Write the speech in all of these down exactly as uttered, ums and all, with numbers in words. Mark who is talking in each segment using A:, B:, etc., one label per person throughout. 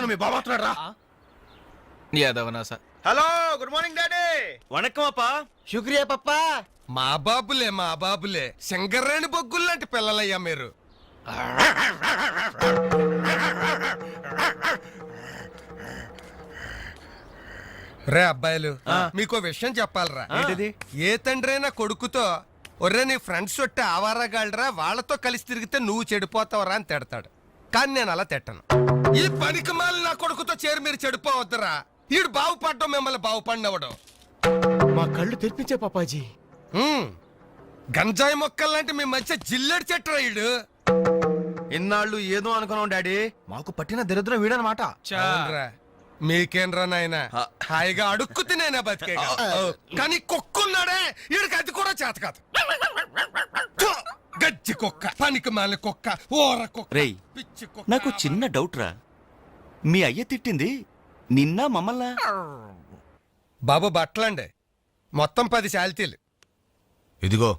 A: మీ బాబా వస్తున్నాడు రా.
B: యాదవనా sir.
A: Hello, good morning daddy.
C: వణక్కం అప్పా.
A: శుక్రియా పప్పా.
D: మా బాబులే మా బాబులే శంకర్రాణి బొగ్గుల్లాంటి పిల్లలయ్యా మీరు. రే అబ్బాయిలు, మీకో విషయం చెప్పాలరా. ఏ తండ్రైనా కొడుకుతో ఒర్రే నీ ఫ్రెండ్స్ ఒట్టి ఆవారాగాళ్ళరా, వాళ్ళతో కలిసి తిరిగితే నువ్వు చెడిపోతావరా అని తిడతాడు. కానీ నేను అలా తిట్టను. ఈ పనికి మాలి నా కొడుకుతో చేరి మీరు చెడిపోవద్దురా. ఈడు బాగుపడ్డం మిమ్మల్ని బాగుపడినవడం.
A: మా కళ్ళు తెరిపించే పాపాజీ.
D: గంజాయి మొక్కల్లాంటి మీ మధ్య జిల్లెడు చెట్టు ఈడు.
A: ఇన్నాళ్ళు ఏదో అనుకున్నాం డాడీ, మాకు పట్టిన దరిద్రం వీడనమాట.
D: మీకేంరా నాయన, హాయిగా అడుక్కు తినేనా బతికే. కానీ కుక్కున్నాడే, ఈడికి అది కూడా చేత కాదు. గజ్జి కుక్క, పనికి మాలిన కుక్క, ఓర కుక్క,
C: రేయ్
D: పిచ్చి కుక్క.
C: నాకు చిన్న డౌట్ రా, మీ అయ్య తిట్టింది నిన్న మమ్మల్ని?
D: బాబు బట్టలండి, మొత్తం పది శాలితీలు.
E: ఇదిగో,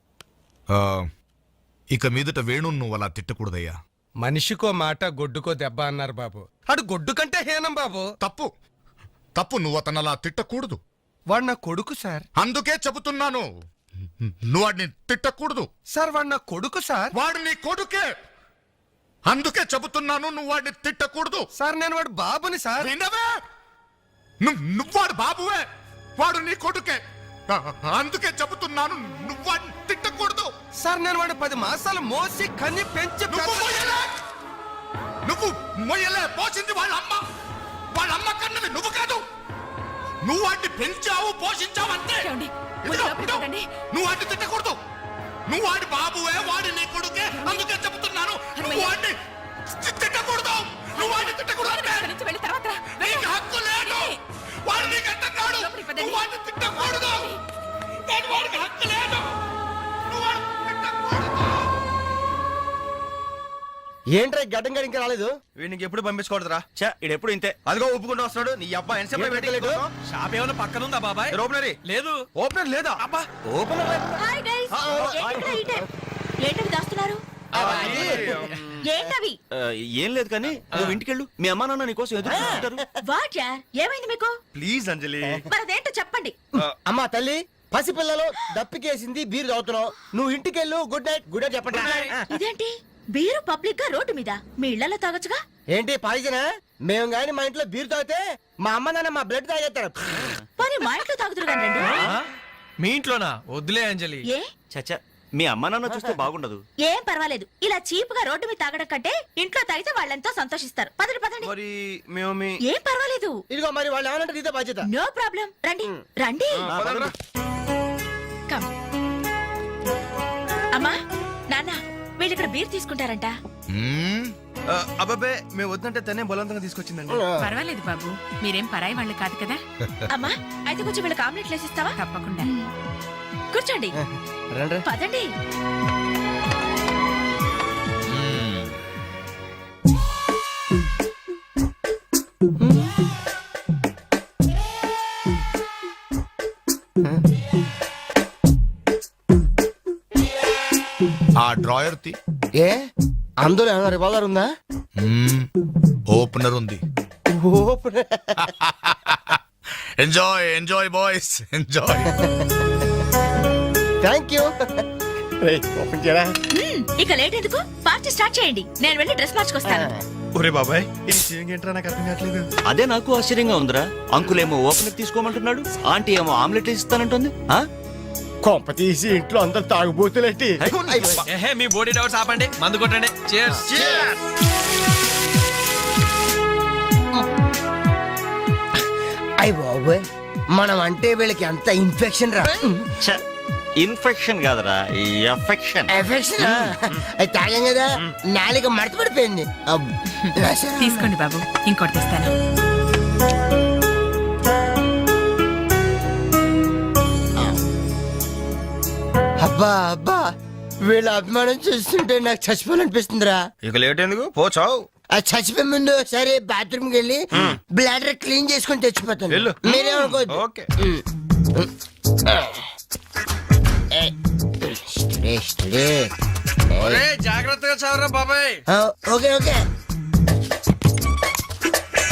E: ఇక మీదట వేణు నువ్వు అలా తిట్టకూడదయ్యా.
D: మనిషికో మాట గొడ్డుకో దెబ్బ అన్నారు బాబు. అడు గొడ్డు కంటే హీనం బాబు.
E: తప్పు తప్పు నువ్వు అతను అలా తిట్టకూడదు.
D: వాడు నా కొడుకు సార్.
E: అందుకే చెబుతున్నాను, నువ్వు వాడిని తిట్టకూడదు.
D: సార్ వాడు నా కొడుకు సార్.
E: వాడు నీ కొడుకే, అందుకే చెబుతున్నాను, నువ్వు వాడిని తిట్టకూడదు.
D: సార్ నేను వాడు బాబుని సార్.
E: వినవే, నువ్వు వాడు బాబువే, వాడు నీ కొడుకే, అందుకే చెబుతున్నాను, నువ్వు వాడిని తిట్టకూడదు.
D: సార్ నేను వాడు పది మాసాలు మోసి కన్ని పెంచి
E: నువ్వు మొయ్యలే, నువ్వు మొయ్యలే, పోసింది వాళ్ళ అమ్మ, వాళ్ళ అమ్మ కన్నది నువ్వు కాదు. నువ్వు వాడిని పెంచావు, పోషించావు అంతే. నువ్వు వాడిని తిట్టకూడదు. నువ్వు వాడి బాబువే, వాడి నీ కొడుకే, అందుకే చెబుతున్నాను, నువ్వు వాడిని తిట్టకూడదు. నువ్వు వాడిని తిట్టకూడదు అంటే నీకు హక్కు లేదు. వాడు నీకు అంటున్నాడు, నువ్వు వాడిని తిట్టకూడదు. నేను వాడికి హక్కు లేదు. నువ్వు వాడిని తిట్టకూడదు.
A: ఏంట్రా గడ్డం గడి ఇంకా రాలేదు? వీడికి ఎప్పుడు పంపించకూడదురా.
C: చా ఇడెప్పుడు ఇంతే.
A: అదిగో ఒప్పుకుంటూ వస్తున్నాడు. నీ అబ్బా ఎన్సేపు పెట్టలేదు.
B: షాప్ ఏమైనా పక్కన ఉందా బాబాయ్?
A: ఓపెనరీ
B: లేదు.
A: ఓపెనర్ లేదా?
B: అబ్బా
A: ఓపెనర్
F: హాయ్ గైస్, ఏంటవి దాస్తున్నారు? ఏంటవి?
C: ఏం లేదు కానీ నువ్వు ఇంటికెళ్ళు, మీ అమ్మా నాన్న నీకోసం ఎదురు చూస్తుంటారు.
F: వాట్ యా, ఏమైంది మీకు?
A: ప్లీజ్ అంజలి.
F: మరి అదేంటో చెప్పండి.
G: అమ్మా తల్లి, పసిపిల్లలు దప్పికేసింది, బీరు తాగుతున్నావు. నువ్వు ఇంటికెళ్ళు. Good night. గుడ్ నైట్ చెప్పండి.
F: ఇదేంటి బీరు పబ్లిక్ గా రోడ్డు మీద? మీ ఇళ్లలో తాగొచ్చుగా.
G: ఏంటి పాయిజనా? మేము గాని మా ఇంట్లో బీరు తాగితే మా అమ్మ నాన్న మా బ్లడ్ తాగేస్తారు.
F: మరి మా ఇంట్లో తాగుతురు కానీ రండి.
B: మీ ఇంట్లోనా? వద్దులే అంజలి.
F: ఏ
C: చచ్చా, మీ అమ్మా నాన్న చూస్తే బాగుండదు.
F: ఏం పర్వాలేదు, ఇలా చీప్ గా రోడ్డు మీద తాగడం కంటే ఇంట్లో తాగితే వాళ్ళెంతో సంతోషిస్తారు. పదండి పదండి.
A: మరి మేము మీ
F: ఏం పర్వాలేదు.
G: ఇదిగో మరి వాళ్ళు ఏమనంటే నీతో బాధ్యత.
F: No problem. రండి రండి. కమ్. అమ్మా నాన్న, వీళ్ళు ఇక్కడ బీర్ తీసుకుంటారంట.
A: అబ్బాబే, మేము వద్దంటే తనే బలవంతంగా తీసుకొచ్చిందండి.
H: పర్వాలేదు బాబు, మీరేం పరాయి వాళ్ళు కాదు కదా.
F: అమ్మా అయితే కొంచెం వీళ్ళకి ఆమ్లెట్లు వేసిస్తావా?
H: తప్పకుండా.
F: కూర్చోండి. పదండి.
E: ఆ డ్రాయర్ తి
G: ఏ అందులో ఏమన్నా రివాల్వర్ ఉందా?
E: ఓపెనర్ ఉంది. Enjoy enjoy boys, enjoy.
G: Thank you.
F: ఇక లేట్ ఎందుకు, పార్టీ స్టార్ట్ చేయండి. నేను వెళ్ళి డ్రెస్ మార్చుకొస్తాను.
A: ఒరే బాబాయ్, ఇది సీయింగ్ ఏంట్రా, నాకు అర్థం కావట్లేదు.
C: అదే నాకు ఆశ్చర్యంగా ఉందిరా. అంకుల్ ఏమో ఓపెనర్ తీసుకోమంటున్నాడు, ఆంటీ ఏమో ఆమ్లెట్ ఇస్తానంటుంది.
G: కొంప తీసి ఇంట్లో అందరు తాగుబోతులేంటి?
B: ఏహే, మీ బాడీ డౌట్స్ ఆపండి, మందు కొట్టండి. Cheers.
G: అయ్య బాబోయ్, మనం అంటే వీళ్ళకి ఎంత ఇన్ఫెక్షన్ రా.
C: ఇన్ఫెక్షన్ కాదురా, ఎఫెక్షన్.
G: ఎఫెక్షన్ అది తాగాం కదా, నాలుక మడత పడిపోయింది.
H: తీసుకోండి బాబు, ఇంకోటి తెస్తాను.
G: అబ్బా అబ్బా, వీళ్ళ అభిమానం చూస్తుంటే నాకు చచ్చిపోవాలనిపిస్తుందిరా.
A: ఇక లేట్ ఎందుకు, పోచావు.
G: ఆ చచ్చిపోయే ముందు సరే బాత్రూమ్ కి వెళ్ళి బ్లాడర్ క్లీన్ చేసుకుని తెచ్చిపోతాను. మీరేమనుకోవద్దు.
A: ఓకే.
B: జాగ్రత్తగా చదవరా బాబాయ్.
G: Okay okay.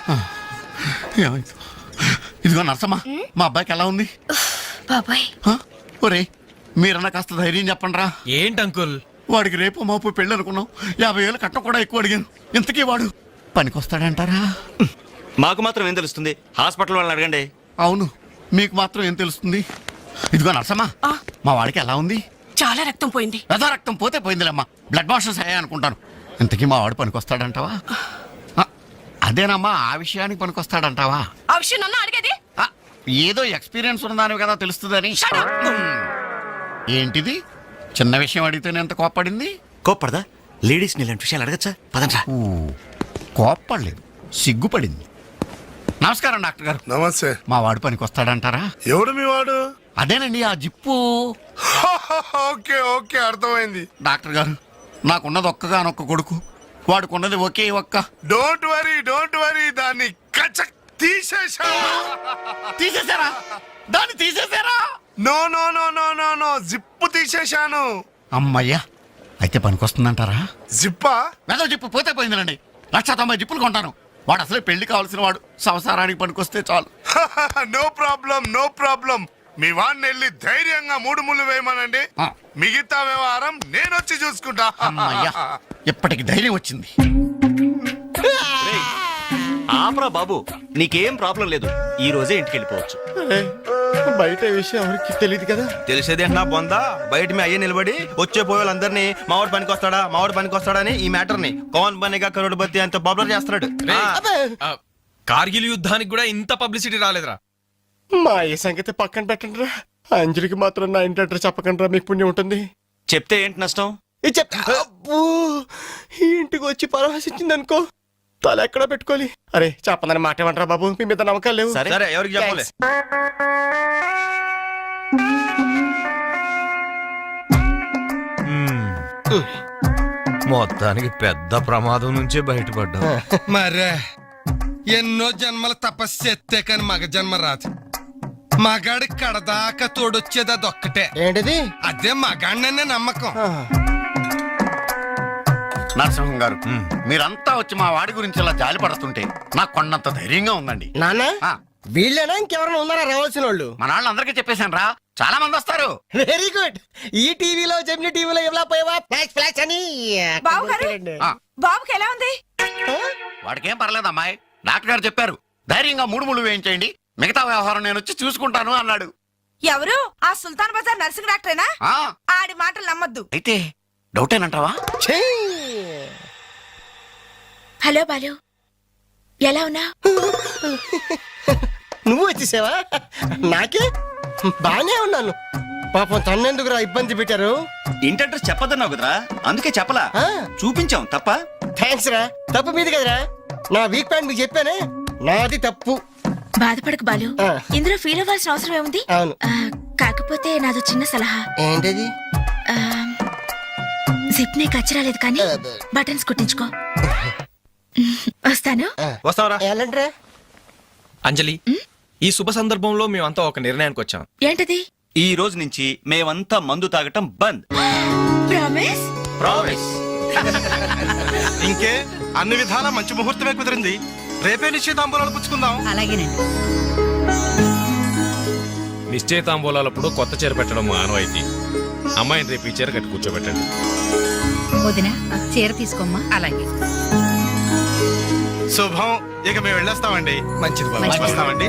E: ఏమైంది? ఇదిగో నర్సమ్మ, మా అబ్బాయికి ఎలా ఉంది?
F: బాబాయ్
E: హ? ఒరే మీరన్నా కాస్త ధైర్యం చెప్పండి రా.
B: ఏంటి అంకుల్?
E: వాడికి రేపు మాపు పెళ్ళి అనుకున్నాం. యాభై వేలు కట్ట కూడా ఎక్కువ అడిగాను. ఇంతకీ వాడు పనికొస్తాడంటారా?
C: మాకు మాత్రం ఏం తెలుస్తుంది? హాస్పిటల్ వాళ్ళని అడగండి.
E: అవును, మీకు మాత్రం ఏం తెలుస్తుంది? ఇదిగో నర్సమ్మ, మా వాడికి ఎలా ఉంది?
H: చాలా రక్తం పోయింది.
E: రథ రక్తం పోతే పోయిందిలేమ్మా, బ్లడ్ వాషెస్ అయ్యా అనుకుంటాను. ఇంతకీ మా వాడు పనికొస్తాడంటావా? ఆ, అదేనమ్మా, ఆ విషయానికి పనికొస్తాడంటావా?
H: ఆ విషయం నన్ను అడిగేది?
E: ఆ, ఏదో ఎక్స్పీరియన్స్ ఉన్నదాని కదా తెలుస్తుందని. ఏంటిది? చిన్న విషయం అడిగితేనే ఎంత కోప్పడింది?
C: కోప్పడదా? లేడీస్ ఇలాంటి విషయాలు అడగచ్చా? పదండ్రా.
E: ఊ, కోప్పడలేదు, సిగ్గుపడింది. నమస్కారం డాక్టర్ గారు.
I: నమస్తే.
E: మా వాడు పనికొస్తాడంటారా?
I: ఎవడు మీ వాడు?
E: అదేనండి ఆ జిప్పు.
I: ఓకే ఓకే అర్థమైంది.
E: డాక్టర్ గారు, నాకున్నది ఒక్కగానొక్క కొడుకు, వాడుకున్నది ఒకే ఒక్క.
I: డోంట్ వరీ డోంట్ వరీ దాన్ని కచక్ తీసేశా.
E: తీసేశారా? దాన్ని తీసేశారా?
I: No no no no no no zip తీసేశాను.
E: అమ్మయ్యా, అయితే పనికొస్తుందంటారా?
I: జిప్పా?
E: మెదో జిప్పు పోతే పోయిందిలండి. లక్ష తొంభై జిప్పులు కొంటాను. వాడు అసలే పెళ్లి కావాల్సిన వాడు, సంసారానికి పనికొస్తే చాలు.
I: No problem no problem. మీ వాడిని వెళ్ళి ధైర్యంగా మూడు ముళ్ళు వేయమనండి.
E: ఆ.
I: మిగతా వ్యవహారం నేను వచ్చి చూసుకుంటా.
E: అమ్మయ్యా, ఇప్పటికి ధైర్యం వచ్చింది.
C: ఆపరా బాబు, నీకేం ప్రాబ్లం లేదు. ఈ రోజే ఇంటికి వెళ్ళిపోవచ్చు.
E: బయట విషయం ఎవరికి తెలియదు కదా.
A: తెలిసేది నా బొందా. బయట మీ అయ్యే నిలబడి వచ్చే పోయేవాళ్ళందరినీ మావాడు పనికి వస్తాడా మావాడు పనికి వస్తాడని ఈ మ్యాటర్ ని కౌన్ బనేగా కరోడ్పతి అంత పాపులర్ చేస్తున్నాడు.
B: ఆ, కార్గిల్ యుద్ధానికి కూడా ఇంత పబ్లిసిటీ రాలేదురా.
J: మా ఈ సంగతి పక్కన పెట్టండి రా. అంజలికి మాత్రం నా ఇంటి అడ్రస్ చెప్పకండి రా, మీకు పుణ్యం ఉంటుంది.
C: చెప్తే ఏంటి నష్టం?
J: ఇది చెప్తా. అబ్బో, ఈ ఇంటికి వచ్చి పరామర్శించింది అనుకో, తల ఎక్కడ పెట్టుకోవాలి. అరే చెప్పందని మాట ఏమంటారా బాబు, మీ మీద నమ్మకాలు లేవు.
C: సరే
A: సరే ఎవరికి చెప్పలే. మొత్తానికి పెద్ద ప్రమాదం నుంచే బయటపడ్డా.
D: మరే ఎన్నో జన్మల తపస్సు ఎత్తే కాని మగ జన్మ రాదు. మగాడి కడదాకా తోడొచ్చేది అదొక్కటే.
G: ఏంటిది?
D: అదే మగాడిననే నమ్మకం.
E: నరసింహం గారు, మీరంతా వచ్చి మా వాడి గురించి ఇలా జాలి పడుతుంటే నాకు కొండంత ధైర్యంగా ఉందండి.
G: నాన్న
E: ఆ,
G: వీళ్ళేనా ఇంకెవరైనా ఉన్నారా రావాల్సిన వాళ్ళు?
E: మన వాళ్ళందరికీ చెప్పేశాను రా, చాలా మంది వస్తారు.
G: Very good. ఈ టీవీలో జెమిని టీవీలో ఎవలా పోయావా ఫ్లాష్ ఫ్లాష్ అని.
H: బావగారు?
E: ఆ,
H: బాబుకి ఎలా ఉంది?
E: వాడికేం పర్లేదు అమ్మాయి, డాక్టర్ గారు చెప్పారు ధైర్యంగా మూడు ముళ్ళు వేయించేయండి, మిగతా వ్యవహారం నేను వచ్చి చూసుకుంటాను అన్నాడు.
H: ఎవరు? ఆ సుల్తాన్ బజార్ నర్సింగ్ డాక్టరేనా?
E: ఆ,
H: ఆడి మాటలు నమ్మద్దు.
E: అయితే డౌటేనంటావా?
G: ఛీ!
F: హలో బాలు ఎలా ఉన్నా?
G: నువ్వు వచ్చేసావా? నాకే బానే ఉన్నాను. పాపం తన్నెందుకురా ఇబ్బంది పెట్టారు?
C: ఇంటి అడ్రస్ చెప్పదన్నావు కదరా, అందుకే చెప్పలా.
G: ఆ.
C: చూపించాం తప్ప.
G: థ్యాంక్స్ రా. తప్పు మీది కదరా. నా వీక్ పాయింట్ మీకు చెప్పానే, నాది తప్పు.
F: బాధపడకు బాలు,
G: ఆ.
F: ఇందులో ఫీల్ అవ్వాల్సిన అవసరం ఏముంది?
G: అవును.
F: ఆ, కాకపోతే నాదో చిన్న సలహా.
G: ఏంటది?
F: ఆ, జిప్ నీ కచ్చరాలేదు కానీ బటన్స్ కుట్టించుకో. వస్తాను.
A: వస్తావరా?
G: ఎలాంటిరా?
B: అంజలి, ఈ శుభ సందర్భంలో మేమంతా ఒక నిర్ణయానికి వచ్చాం.
F: ఏంటది?
C: ఈ రోజు నుంచి మేమంతా మందు తాగటం బంద్.
F: ప్రామిస్?
C: ప్రామిస్.
A: ఇంకే అన్ని విధాలా మంచి ముహూర్తమే కుదిరింది. రేపే నిశ్చితాంబూలాలు పుచ్చుకుందాం.
H: అలాగేనండి.
B: నిశ్చయితాంబూలాలప్పుడు కొత్త చీర పెట్టడం ఆనవాయితీ. అమ్మాయిని రేపు ఈ చీర కట్టి కూర్చోబెట్టండి.
H: వదిన చీర తీసుకోమ్మా. అలాగే.
A: శుభం. ఇక మేము వెళ్ళొస్తామండి.
D: మంచిది బాబు.
A: వస్తామండి.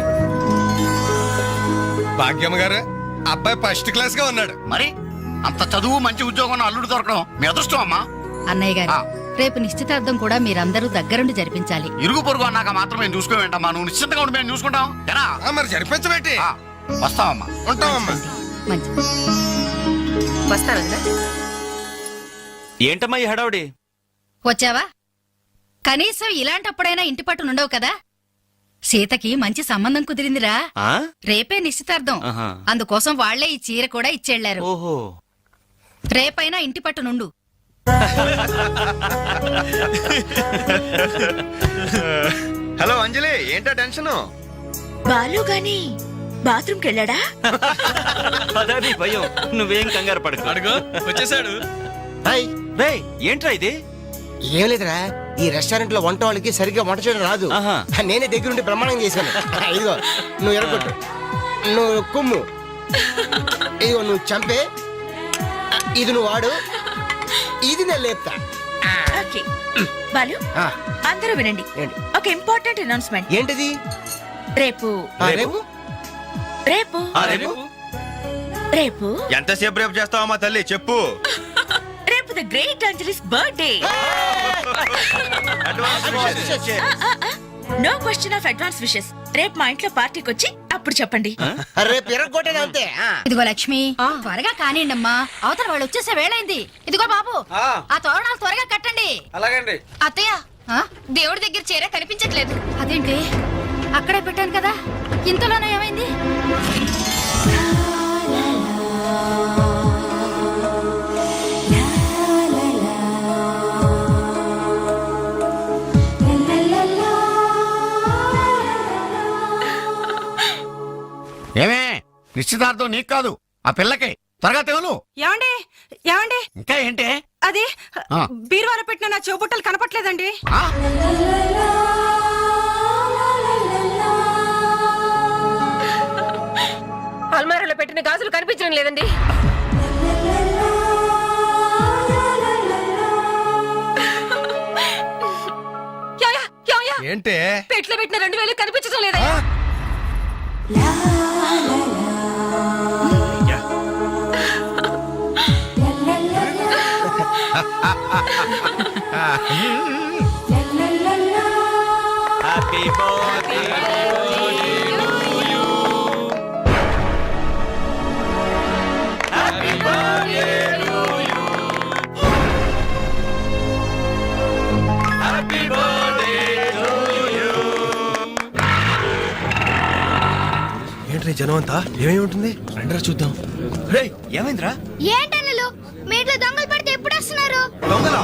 D: భాగ్యమ్మ గారు, అబ్బాయి ఫస్ట్ క్లాస్ గా ఉన్నాడు.
E: మరి అంత చదువు మంచి ఉద్యోగం అల్లుడు దొరకడం మీ అదృష్టం అమ్మా.
H: అన్నయ్య గారు,
E: ఆ.
H: రేపు నిశ్చితార్థం కూడా మీరందరూ దగ్గరుండి జరిపించాలి.
E: ఇరుగు పొరుగు అన్నాక మాత్రం మేము చూసుకోవేంటమ్మా, నువ్వు నిశ్చింతగా ఉండి మేము చూసుకుంటాం. ఎరా?
D: ఆ, మరి జరిపించబెట్టి
E: ఆ, వస్తామమ్మా.
D: ఉంటామమ్మా.
H: మంచి
F: వస్తాను.
C: ఏంటమ్మా ఈ హడావుడి?
H: వచ్చావా? కనీసం ఇలాంటప్పుడైనా ఇంటి పట్టు నుండవు కదా. సీతకి మంచి సంబంధం కుదిరిందిరా.
C: ఆ?
H: రేపే నిశ్చితార్థం.
C: ఆహా.
H: అందుకోసం వాళ్లే ఈ చీర కూడా ఇచ్చెళ్లారు.
C: ఓహో.
H: రేపైనా ఇంటి పట్టు నుండు.
A: హలో అంజలి, ఏంటా టెన్షన్?
F: బాలు గాని బాత్రూమ్ కెళ్ళాడా?
C: అదే భయం. నువ్వేం కంగారు పడకు.
B: అడుగు వచ్చేసాడు.
G: హాయ్.
C: రేయ్, ఏంట్రా ఇది?
G: ఏం లేదురా,
J: ఈ రెస్టారెంట్ లో వంట వాళ్ళకి సరిగ్గా వంట చేయడం రాదు.
C: ఆహా.
J: నేనే దగ్గరుండి ప్రమాణం చేశాను. ఇదిగో నువ్వు ఎరగొట్టు, నువ్వు కుమ్ము, ఇదిగో నువ్వు చంపే, ఇది నువ్వు వాడు, ఇది నేను లేపుతా.
F: ఓకే బాలు
J: ఆ,
F: అందరూ వినండి.
J: ఏంటి?
F: ఒక ఇంపార్టెంట్ అనౌన్స్మెంట్.
J: ఏంటిది?
F: రేపు
J: ఆ, రేపు
F: రేపు
A: ఆ, రేపు
F: రేపు
A: ఎంతసేపు రేపు చేస్తావా మా తల్లి చెప్పు.
F: రేపు the great Anjali's birthday. No question of advance wishes. రేపు మా ఇంట్లో పార్టీకి వచ్చి అప్పుడు చెప్పండి.
J: రేపు ఎరగొట్టేది అంతే. ఆ.
H: ఇదిగో లక్ష్మి త్వరగా కానివ్వండమ్మా, అవతల వాళ్ళు వచ్చేసే వేళైంది. ఇదిగో బాబు ఆ తోరణాలు త్వరగా కట్టండి.
J: అలాగండి.
H: అత్తయ్య దేవుడి దగ్గర చీర కనిపించట్లేదు. అదేంటి అక్కడే పెట్టాను కదా, ఇంతలోనే ఏమైంది?
E: ఏమే నిశ్చితార్థం నీకు కాదు ఆ పిల్లకి. త్వరగా తెలు.
K: ఏమండి ఏమండి
E: ఇంకా ఏంటి?
K: అది
E: ఆ.
K: బీరువాలో పెట్టిన నా చెవుబుట్టలు కనపట్లేదండి.
E: ఆ?
K: అల్మారాలో పెట్టిన గాజులు కనిపించడం లేదండి. యాయా, యాయా,
D: ఏంటే
K: పెట్లో పెట్టిన రెండు వేలు కనిపించడం లేదయ్యా.
C: హ్యాపీ బర్త్డే
A: ఏంట్రీ జనం అంతా ఏమేమి ఉంటుంది రండిరా చూద్దాం. రేయ్
C: ఏమైందిరా?
H: ఏంటన్నలు మీ ఇంట్లో దొంగలు పడితే ఎప్పుడు వస్తున్నారు?
A: దొంగలా?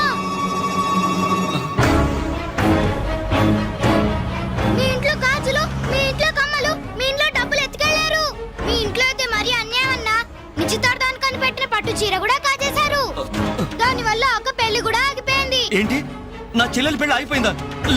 H: మీ ఇంట్లో గాజులు, మీ ఇంట్లో కమ్మలు, మీ ఇంట్లో డబ్బులు ఎత్తుకెళ్లారు. మీ ఇంట్లో అయితే మరీ అన్యాయం అన్నా. నిశ్చితార్థానికి పెట్టిన పట్టు చీర కూడా కాజేశారు. దాని వల్ల ఒక పెళ్లి కూడా ఆగిపోయింది.
C: ఏంటి నా చెల్లెలి పెళ్లి ఆగిపోయిందా?